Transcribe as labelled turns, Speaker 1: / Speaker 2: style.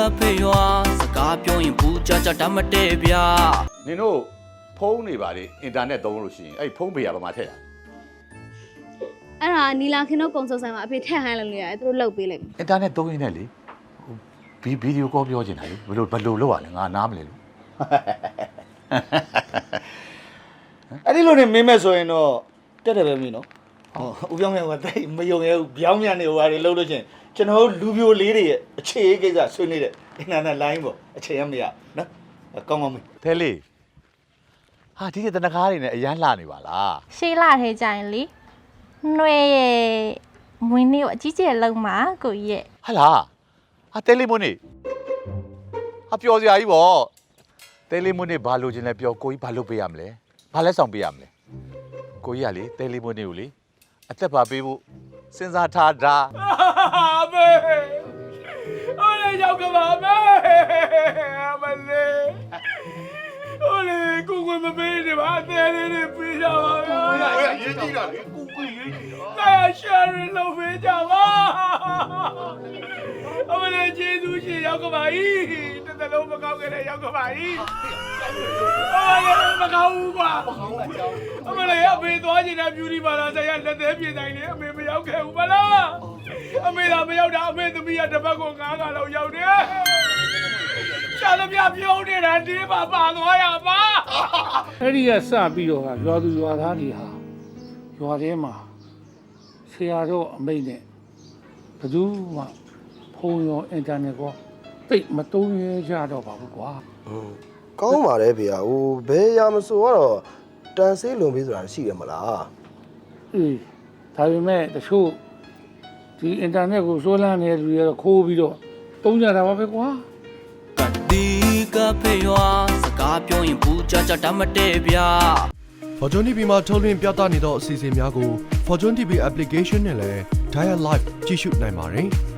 Speaker 1: ဖေရွာစကားပြောရင်ဘူးကြကြတတ်မတည့်ဗျာ
Speaker 2: နင်တို့ဖုန်းနေပါလေအင်တာနက်သုံးလို့ရှိရင်အဲ့ဖုန်းပေးရပါမှာထည့်တာ
Speaker 3: အဲ့ဒါနီလာခင်တို့ကုံစုံဆိုင်မှာအဖေထည့်ဟိုင်းလို့ရတယ်သူတို့လှုပ်ပေးလိုက်
Speaker 2: အင်တာနက်သုံးရင်းနဲ့လေဗီဒီယိုကောပြောချင်တာလေဘယ်လိုလုပ်ရလဲငါနားမလဲလို့
Speaker 4: အဲ့ဒီလိုနေမင်းမဲ့ဆိုရင်တော့တက်တယ်ပဲမင်းနော်ဦးပြောင်းမြန်ကတိတ်မယုံရဲဘူးပြောင်းမြန်နေဟိုဟာတွေလှုပ်လို့ချင်းကျွန်တော်လူပြိုလေးတွေရဲ့အခြေအကိစ္စဆွေးနေတဲ့အင်တာနက်လိုင်းပေါ့အခြေရမရနော်ကောင်းကောင်းမင်း
Speaker 2: ဖဲလေးဟာဒီတနကားတွေနဲ့အရန်လှနေပါလား
Speaker 5: ရှေးလာထဲကြရင်လေနှွေရဲ့မွေးနေ့ကိုအကြီးကျယ်လုံးမှာကိုကြီးရဲ့
Speaker 2: ဟာလားဟာတဲလေးမွန်းနေဟာပျော်စရာကြီးပေါ့တဲလေးမွန်းနေဘာလို့ချင်းလဲပျော်ကိုကြီးဘာလုပ်ပေးရမလဲဘာလဲဆောင်ပေးရမလဲကိုကြီးကလေတဲလေးမွန်းနေကိုလေအသက်ပါပေးဖို့စဉ်းစားထားတာ
Speaker 6: အမေအိုးလေရောက်ကပါမေအမလေးအိုးလေကိုကိုမပေးနေပါအသေးလေးတွေပေးကြပါဗျာရေးကြည့်တာလေကိုကိုရေးကြည့်တာရှာရီလုပ်ပေးကြပါအမလေးကျေးဇူးရှင်ရောက်ကပါဤတစ်သက်လုံးမကောက်ခဲ့တဲ့ရောက်ကပါဤအမလေးမကောက်ဘူးပါအမလေးအမေသွားချင်တဲ့ beauty parlor ဆိုင်ရလက်သေးပြေတိုင်းလေအမေမရောက်ခဲ့ဘူးမလားအမေသာမရောက်တာအမေသမီးကတစ်ပတ်ကို9ခါလောက်ရောက်တယ်ရှာသမျှပြုံးနေတာဒီမှာပါသွားရပါ
Speaker 7: အဲ့ဒီကစပြီးတော့ရွာသူရွာသားတွေဟာရွာထဲမှာဆရာတို့အမိတ်နဲ့ဘယ်သူမှဖုန်းရောအင်တာနက်ကောသိမသုံးရကြတော့ပါဘူးကွာ
Speaker 8: ကောင်းပါတယ်ဖေဟိုဘယ်ရမဆိုတော့တန်ဆေးလွန်ပေးဆိုတာရှိရမလား
Speaker 7: အေးဒါပေမဲ့တချို့ဒီအင်တာနက်ကိုစိုးလန်းနေတဲ့လူတွေကတော့ခိုးပြီးတော့သုံးကြတာပါပဲကွာ
Speaker 1: ဒီကဖေရွာစကားပြောရင်ဘူးကြကြတတ်မတည့်ဗျာ
Speaker 9: Fortune TV မှာထုတ်လွှင့်ပြသနေသောအစီအစဉ်များကို Fortune TV application နဲ့လည်း Dial Live ကြည့်ရှုနိုင်ပါတယ်။